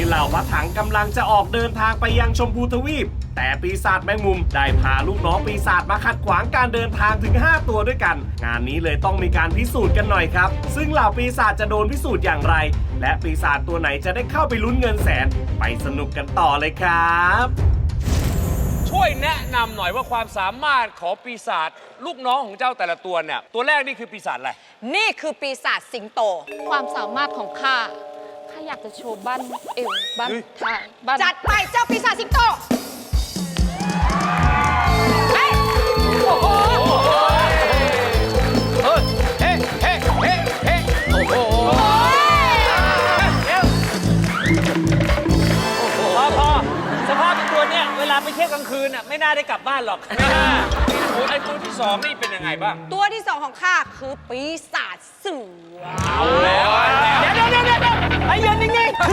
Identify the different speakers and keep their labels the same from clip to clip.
Speaker 1: เหล่าพระถังกำลังจะออกเดินทางไปยังชมพูทวีปแต่ปีศาจแมงมุมได้พาลูกน้องปีศาจมาขัดขวางการเดินทางถึง5ตัวด้วยกันงานนี้เลยต้องมีการพิสูจน์กันหน่อยครับซึ่งเหล่าปีศาจจะโดนพิสูจน์อย่างไรและปีศาจตัวไหนจะได้เข้าไปลุ้นเงินแสนไปสนุกกันต่อเลยครับ
Speaker 2: ช่วยแนะนำหน่อยว่าความสามารถของปีศาจลูกน้องของเจ้าแต่ละตัวเนี่ยตัวแรกนี่คือปีศาจอะไร
Speaker 3: นี่คือปีศาจสิงโต
Speaker 4: ความสามารถของข้าอยากจะโชว์บ้านเอวบ้านท้ายบ้าน
Speaker 3: จัดไปเจ้าปีศาจสิงโตเฮ้ยโอ้โห
Speaker 2: เฮ้เฮ้เฮ้เฮ้เฮ้โอ้โหพอสภาพเป็นตัวเนี่ยเวลาไปเที่ยวกลางคืนน่ะไม่น่าได้กลับบ้านหรอกไม่น่าไอ้ตัวที่สองนี่เป็นยังไงบ้าง
Speaker 3: ตัวที่สองของข้าคือปีศาจเสือ
Speaker 2: เอาแล้ว
Speaker 3: เดี๋ยวไอ้ยืนนิ่งๆ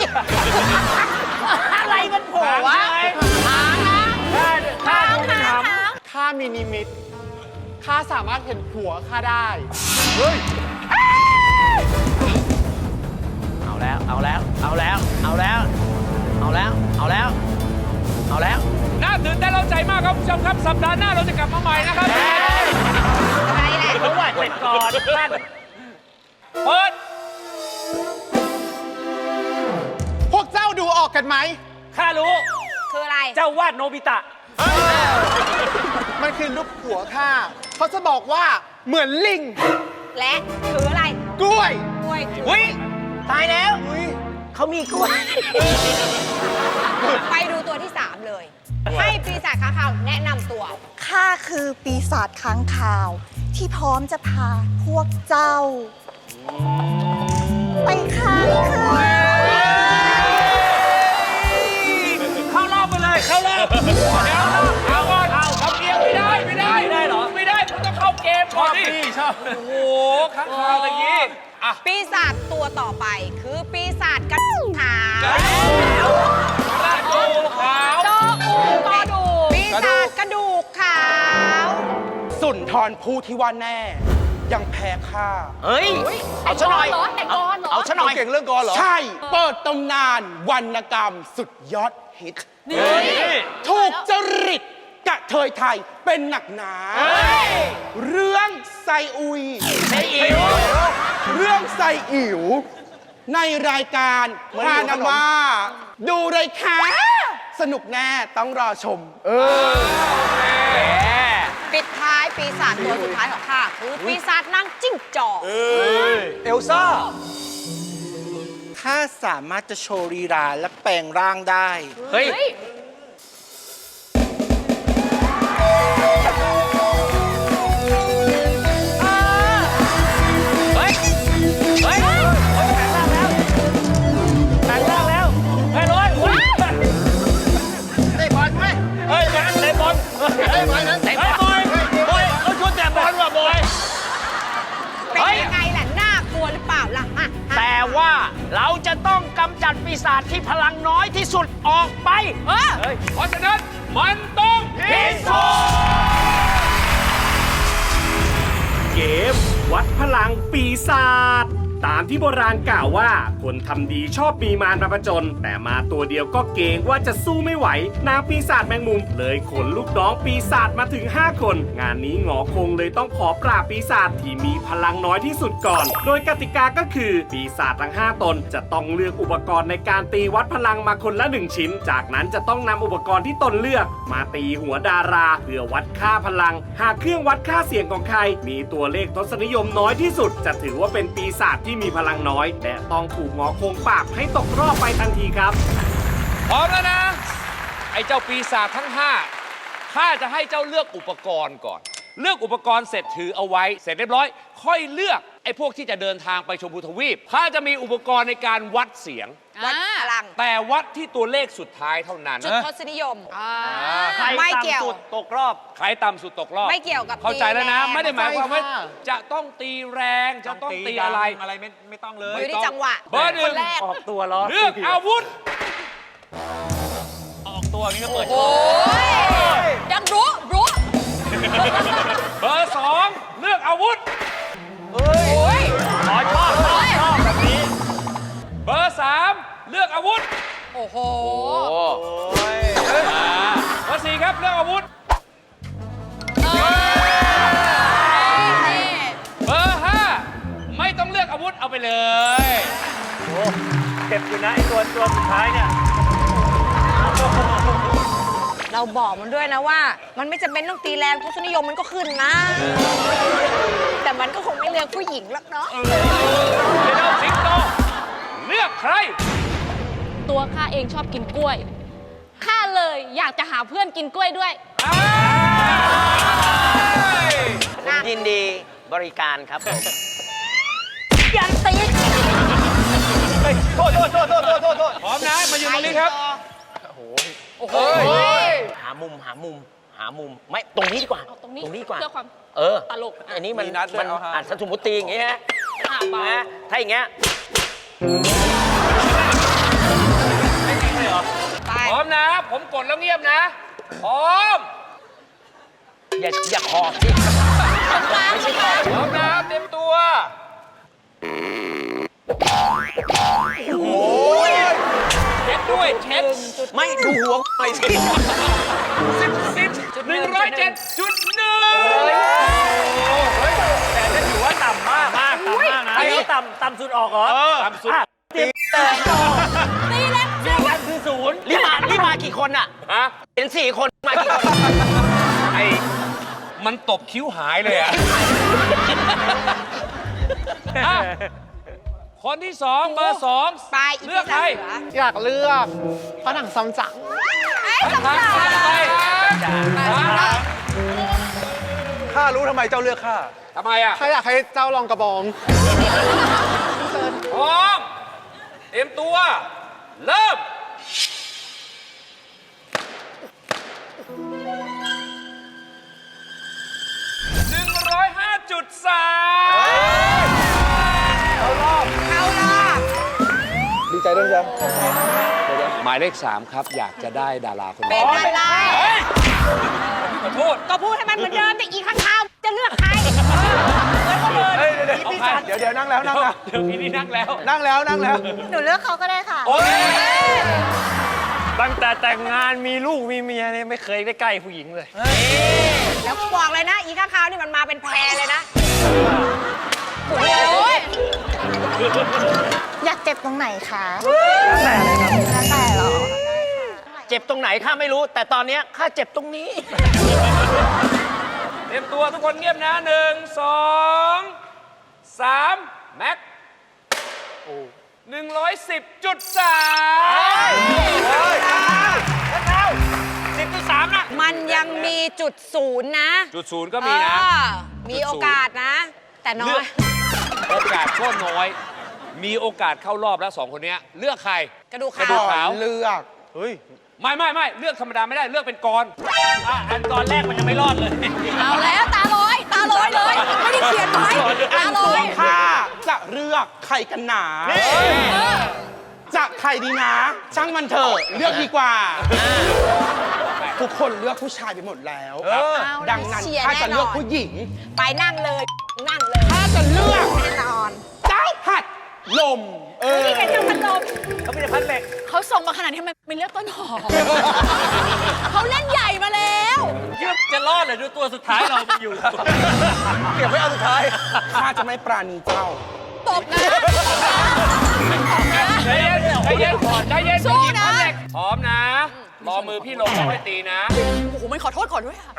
Speaker 3: อะไรมันโผล่วะหางนะหาง
Speaker 5: ข้ามีนิมิตข้าสามารถเห็นผัวข้าได้
Speaker 2: เฮ้ย
Speaker 6: เอาแล้ว
Speaker 2: น่าตื่นเต้นเร้าใจมากครับผู้ชมครับสัปดาห์หน้าเราจะกลับมาใหม่นะครับ
Speaker 3: อะไรแหละ
Speaker 6: รู้ว่าเสร็จก่อนท่าน
Speaker 2: เปิด
Speaker 5: พวกเจ้าดูออกกันไหม
Speaker 6: ข้ารู้
Speaker 3: คืออะไร
Speaker 6: เจ้าวาดโนบิตะ
Speaker 5: มันคือรูปผัวข้าเขาจะบอกว่าเหมือนลิง
Speaker 3: และคืออะไร
Speaker 5: กล้วย
Speaker 6: อุ้ยตายแล้วเขามีกล้วย
Speaker 3: ไปดูตัวที่3เลยให้ปีศาจค้างคาวแนะนำตัว
Speaker 7: ข้าคือปีศาจค้างคาวที่พร้อมจะพาพวกเจ้าไปค้างคืน
Speaker 6: เข้ารอบไปเลยเข้ารอบ
Speaker 2: เอาก่อนเอาเกมไม่ได้เหรอไม่ได้คุณต้องเข้าเกมก่อนดิชอบโอ้โหข้างคาวอย่างนี้
Speaker 3: ปีศาจตัวต่อไปคือปีศาจกระดูกขาวปีศาจกระดูกขาว
Speaker 5: สุนทรภู่ที่ว่าแน่ยังแพ้ข้า
Speaker 6: เฮ้ยเอาซะหน่อยเอาซะหน่อย
Speaker 5: เก่งเรื่องกลเหรอใช่เปิดตำนานวรรณกรรมสุดยอดฮิตถูกจริตกะเทยไทยเป็นหนักหนาเรื่องไซอุยเรื่องไซอิ๋วในรายการพานามาดูเลยค่ะสนุกแน่ต้องรอชม
Speaker 3: ปิดท้ายปีศาจตัวสุดท้ายของข้าคือปีศาจนางจิ้งจอก
Speaker 5: เอลซ่าข้าสามารถจะโชว์ลีลาและแปลงร่างได้
Speaker 6: เฮ้ยแต่ว่าเราจะต้องกำจัดปีศาจที่พลังน้อยที่สุดออกไป
Speaker 2: เพราะฉะนั้นมันต้องพิสูจน์
Speaker 1: เกมวัดพลังปีศาจตามที่โบราณกล่าวว่าคนทำดีชอบมีมารมาผจญแต่มาตัวเดียวก็เกรงว่าจะสู้ไม่ไหวนางปีศาจแมงมุมเลยขนลูกน้องปีศาจมาถึง5คนงานนี้หงอคงเลยต้องขอปราบปีศาจที่มีพลังน้อยที่สุดก่อนโดยกติกาก็คือปีศาจทั้ง5ตนจะต้องเลือกอุปกรณ์ในการตีวัดพลังมาคนละ1ชิ้นจากนั้นจะต้องนำอุปกรณ์ที่ตนเลือกมาตีหัวดาราเพื่อวัดค่าพลังหากเครื่องวัดค่าเสียงของใครมีตัวเลขทศนิยมน้อยที่สุดจะถือว่าเป็นปีศาจที่มีพลังน้อยและต้องถูกหงอคงปราบให้ตกรอบไปทันทีครับ
Speaker 2: พร้อมแล้วนะไอ้เจ้าปีศาจทั้ง5ข้าจะให้เจ้าเลือกอุปกรณ์ก่อนเลือกอุปกรณ์เสร็จถือเอาไว้เสร็จเรียบร้อยค่อยเลือกไอ้พวกที่จะเดินทางไปชมพูทวีปข้าจะมีอุปกรณ์ในการวัดเสียง
Speaker 3: วัดพลัง
Speaker 2: แต่วัดที่ตัวเลขสุดท้ายเท่านั้น
Speaker 3: จุดทศนิยม
Speaker 6: ไม่เกี่ยวตกรอบ
Speaker 2: ใครต่ำสุดตกรอบ
Speaker 3: ไม่เกี่ยวกับ
Speaker 2: เข้าใจแล้วนะไม่ได้หมายความว่าจะต้องตีแรงจะต้องตีอะไร
Speaker 6: ไม่ต้องเลย
Speaker 3: อยู่ที่จังหวะ
Speaker 2: เบอร์1
Speaker 6: ออกตัวล้อ
Speaker 2: เลือกอาวุธ
Speaker 6: ออกตัวนี่ก็เปิด
Speaker 3: โอ้ยยังรู้
Speaker 2: เบอร์2เลือกอาวุธ
Speaker 6: ชอบแบบนี้
Speaker 2: เบอร์3เลือกอาอาวุธ
Speaker 3: โอ้โห
Speaker 2: เบอร์4ครับเลือกอาวุธ เบอร์5ไม่ต้องเลือกอาวุธเอาไปเลย
Speaker 6: เจ็บอยู่นะไอ้ตัวสุดท้ายเนี่ย
Speaker 3: เราบอกมันด้วยนะว่า มันไม่จำเป็นต้องตีแรงทศนิยมมันก็ขึ้นนะ แต่มันก็คงไม่เลือกผู้หญิงหรอกเนาะ
Speaker 2: เดี๋ยวสิงโตเลือกใคร
Speaker 4: ตัวข้าเองชอบกินกล้วย ข้าเลยอยากจะหาเพื่อนกินกล้วยด้วย
Speaker 6: ผมยินดีบริการครับ
Speaker 3: ยันตี
Speaker 6: โทษ
Speaker 2: พร้อมนะ มายืนตรงนี้ครับ
Speaker 3: โอ้โห
Speaker 6: หามุม ไม่ ตรงนี้ดีกว่า
Speaker 4: เอาตรงนี้
Speaker 6: ดีกว่า
Speaker 4: เพื่อความ ตลก
Speaker 6: อันนี้มัน
Speaker 5: มีนัดด้วยเอาฮะ
Speaker 6: อัดสมมุติอย่างงี้ฮะ
Speaker 4: เบา
Speaker 6: นะถ้าอย่างเงี้ย
Speaker 3: ไป
Speaker 2: พร้อมนะ ผมกดแล้วเงียบนะ พร้อม
Speaker 6: อย่าขอบสิไม่ใช่ขอบ
Speaker 2: พร้อมนะเต็มตัว เช็คด้วย เช็ค
Speaker 6: ไม่ดูหัวไปสิ
Speaker 2: 107.1
Speaker 6: แต่จะถือว่าต่ำมากนะไอ้เขาต่ำสุดออกเหรอ
Speaker 2: ต่ำสุด
Speaker 3: ตีแรง
Speaker 6: เรื่องนั้นคือ0รีบมากี่คนอ่ะ
Speaker 2: ฮะ
Speaker 6: เห็น4 คนมากี่คน
Speaker 2: ไอ้มันตบคิ้วหายเลยอ่ะ อ่ะ คนที่ 2 เบอร์ 2
Speaker 3: ไป
Speaker 2: เลือกใคร
Speaker 5: อยากเลือกพระถังซัมจั๋ง
Speaker 3: ไอ้สำ
Speaker 2: ทาง
Speaker 3: คัญ
Speaker 2: ใคร
Speaker 5: ข้ารู้ทำไมเจ้าเลือกข้า
Speaker 2: ทำไมอ่ะ
Speaker 5: ข้าอยากให้เจ้าลองกระบอง
Speaker 2: พร้อม เตรียมตัว เริ่ม
Speaker 3: เข้ารอบ
Speaker 5: ดีใจด้วยจ้ะ
Speaker 2: หมายเลข 3 ครับ อยากจะได้ดาราคน
Speaker 3: เป็น
Speaker 2: นี้
Speaker 3: อะไร
Speaker 2: ขอโทษ
Speaker 3: ก็พูดให้มันเหมือนเดิมแต่อีกข้างข้าวจะเลือกใคร
Speaker 2: เอาใคร
Speaker 5: เดี๋ยวนั่งแล้ว
Speaker 2: เดี๋ยวพี่นี่นั่งแล้ว
Speaker 5: นั่งแล้ว
Speaker 7: หนูเลือกเขาก็ได้ค่ะ
Speaker 2: โอเค
Speaker 6: ตั้งแต่แต่งงานมีลูกมีเมียเนี่ยไม่เคยได้ใกล้ผู้หญิงเลย
Speaker 3: แล้วบอกเลยนะ อีกข้างข้าวนี่มันมาเป็นแพรเลยนะ โอ้ย
Speaker 7: อยากเจ็บตรงไหนคะ
Speaker 6: แล้วแต่เลยครับ
Speaker 7: แล้วแต่เหรอ
Speaker 6: เจ็บตรงไหนข้าไม่รู้ แต่ตอนเนี้ยข้าเจ็บตรงนี้
Speaker 2: เตรียมตัวทุกคนเงียบนะ 1 2 3 แม็ก 110.3
Speaker 3: มันยังมีจุดศูนย์นะ
Speaker 2: จุดศูนย์ก็มีนะ
Speaker 3: มีโอกาสนะ แต่น้อ
Speaker 2: เลือย กโอกาสก็น้อย มีโอกาสเข้ารอบแล้ว 2 คนเนี้ยเลือกใคร
Speaker 3: กระดูก
Speaker 2: กระดู
Speaker 3: ขาก ว
Speaker 2: ขาว
Speaker 5: เลือก เฮ้ย
Speaker 2: ไม่เลือกธรรมดาไม่ได้เลือกเป็นกร
Speaker 6: อันตอนแรกมันยังไม่รอดเลย
Speaker 3: เอาแล้วตาลอยเลย ไม่ได้เขียนไว้ตาลอย
Speaker 5: ข้าจะเลือกใครกันหนา จะใครดีนะ ช่างมันเถอะเลือกดีกว่า ทุกคนเลือกผู้ชายไปหมดแล้ว ดังนั้นข้าจะเลือกผู้หญิง
Speaker 3: ไปนั่งเลย นั่งเลย
Speaker 5: ข้าจะเลือก
Speaker 3: แน่นอน
Speaker 5: เจ้าหัดลม
Speaker 3: นี่เป็นเจ้าพันลม
Speaker 6: เขาไม่ได้พันเหล็ก
Speaker 3: เขาส่งมาขนาดนี้ทำไมไม่เลือกต้นหอม เขาเล่นใหญ่มาแล้ว
Speaker 6: จะรอดเลยดูตัวสุดท้ายเรามันอยู่
Speaker 5: เก็บไว้เอาสุดท้าย ข้าจะไม่ปราณีเจ้า
Speaker 3: ตบนะ
Speaker 2: ใจเย็นใจเย็น
Speaker 3: สู้นะ
Speaker 2: พร้อมนะ รอมือพี่ลงค่อยตีนะ
Speaker 3: โอ้โหมันขอโทษก่อนด้วยอะ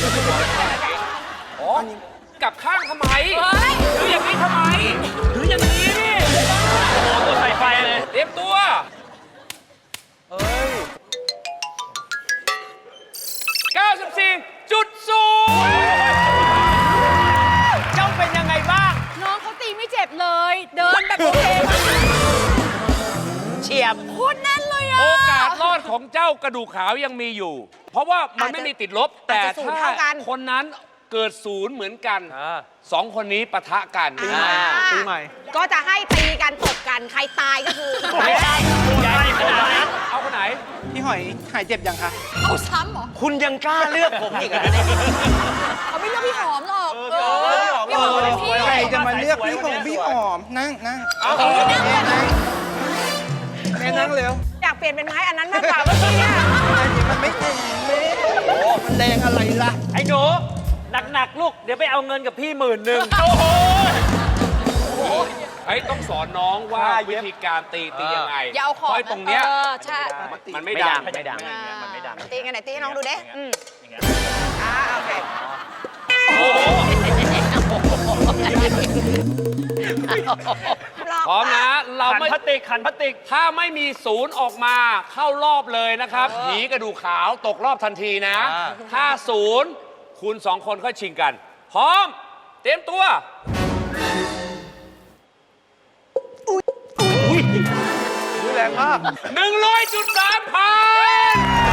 Speaker 2: อ๋อกลับข้างทำไม
Speaker 3: เฮ้ย
Speaker 2: หรืออย่างนี้ทำไมหรืออย่างนี้นี่
Speaker 6: ตัวใส่ไฟเลย
Speaker 2: เตรียมตัว 94.0
Speaker 6: เจ้าเป็นยังไงบ้าง
Speaker 3: น้องเขาตีไม่เจ็บเลย เดินแบบโอเคมาก
Speaker 6: เฉียบ
Speaker 3: โคตรแน่นเลยอะ
Speaker 2: โอกาสรอดของเจ้ากระดูกขาวยังมีอยู่ เพราะว่ามันไม่มีติดลบ แต่
Speaker 3: อาจจะศูนย์
Speaker 2: ถ้า
Speaker 3: เท่ากัน
Speaker 2: คนนั้นเกิดศูนย์เหมือนกัน 2 คนนี้ปะทะกัน
Speaker 5: ปีใหม่
Speaker 3: ก็จะให้ตีกันตบกันใครตายก็คือ
Speaker 6: ไม่ได้ใหญ่ขนาดนั้น
Speaker 2: เอาคนไหน
Speaker 5: พี่หอยหายเจ็บยังคะ
Speaker 3: เอาซ้ำเหรอ
Speaker 6: คุณยังกล้าเลือกผมอีกเหรอเนี่ย
Speaker 3: เขาไม่เลือกพี่หอมหรอก
Speaker 6: พี่หอม
Speaker 3: เป็นพี่
Speaker 5: ใครจะมาเลือกพี่หอมนั่ง
Speaker 3: พี่นั่งเลยนะ
Speaker 5: แม่กันนั่งเร็ว
Speaker 3: อยากเปลี่ยนเป็นไม้อันนั้นมากกว่าเมื่อกี้เนี่ย
Speaker 5: มันไม่แรงแม่โอ้มันแรงอะไรล่ะ
Speaker 6: ไอ้หนูหนักๆลูก เดี๋ยวไปเอาเงินกับพี่10,000
Speaker 2: โอ้โหไอ้ต้องสอนน้องว่าวิธีการตียังไง
Speaker 3: อย่าเอาของ
Speaker 2: เพราะไอ้ตรงเนี้ย
Speaker 3: ใช่
Speaker 2: มันไม่ดัง
Speaker 6: ไม่ดัง
Speaker 3: มันไม่ดังตีกันไหนตีให้น้องดูเด้โอเค
Speaker 2: พร้อมนะ เรา
Speaker 6: ขัน
Speaker 2: ไม่
Speaker 6: พลาสติกขันพลาสติก
Speaker 2: ถ้าไม่มีศูนย์ออกมาเข้ารอบเลยนะครับผีกระดูกขาวตกรอบทันทีนะ ถ้าศูนย์คุณสองคนค่อยชิงกัน พร้อม เตรียมตัว
Speaker 5: แรงมาก
Speaker 2: 100.3 พัน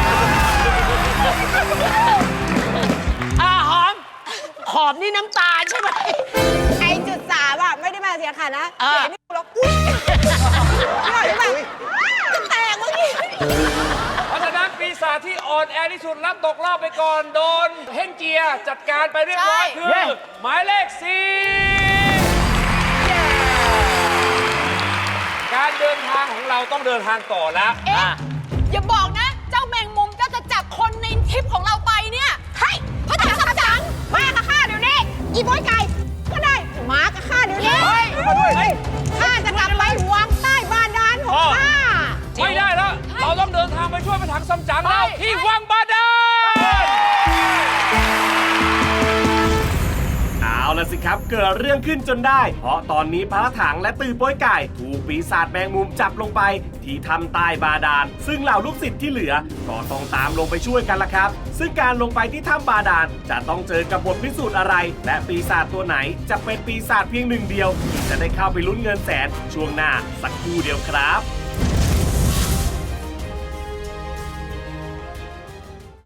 Speaker 6: หอม ขอบนี่น้ำตาลใช่ไหม
Speaker 3: ไอ้จุดสามอ่ะไม่ได้มาเสียขาดนะ
Speaker 6: อ่า
Speaker 3: เสียนี่กูร้องอุ้ยไม่ไหวจะแตกเมื่อกี้
Speaker 2: เพราะฉะนั้นปีศาจที่อ่อนแอที่สุดรับตกรอบไปก่อนโดนเฮนเจียจัดการไปเรียบร้อยคือ หมายเลข 4 การเดินทางของเราต้องเดินทางต่อแล้ว
Speaker 4: อย่าบอกนะ เจ้าแมงมุมก็จะจับคนในทริปของเราไปเนี่ยให้พระจักรจัง
Speaker 3: มากับข้าเดี๋ยวนี้อีโบอยไก่ก็ได้มากับข้าเดี๋ยวนี้ข้าจะกลับไปวังใต้บาดาลของข้า
Speaker 2: ไม่ได้แล้ว เราต้องเดินทางไปช่วยพระถังซัมจั๋งแล้วที่วังบาดาล
Speaker 1: เอาละสิครับเกิดเรื่องขึ้นจนได้ เพราะตอนนี้พระถังและตือโป้ยไก่ถูกปีศาจแมงมุมจับลงไปที่ถ้ำใต้บาดาลซึ่งเหล่าลูกศิษย์ที่เหลือก็ต้องตามลงไปช่วยกันละครับ ซึ่งการลงไปที่ถ้ำบาดาลจะต้องเจอกับบทพิสูจน์อะไร และปีศาจตัวไหนจะเป็นปีศาจเพียงหนึ่งเดียวที่จะได้เข้าไปลุ้นเงินแสนช่วงหน้าสักครู่เดียวครับ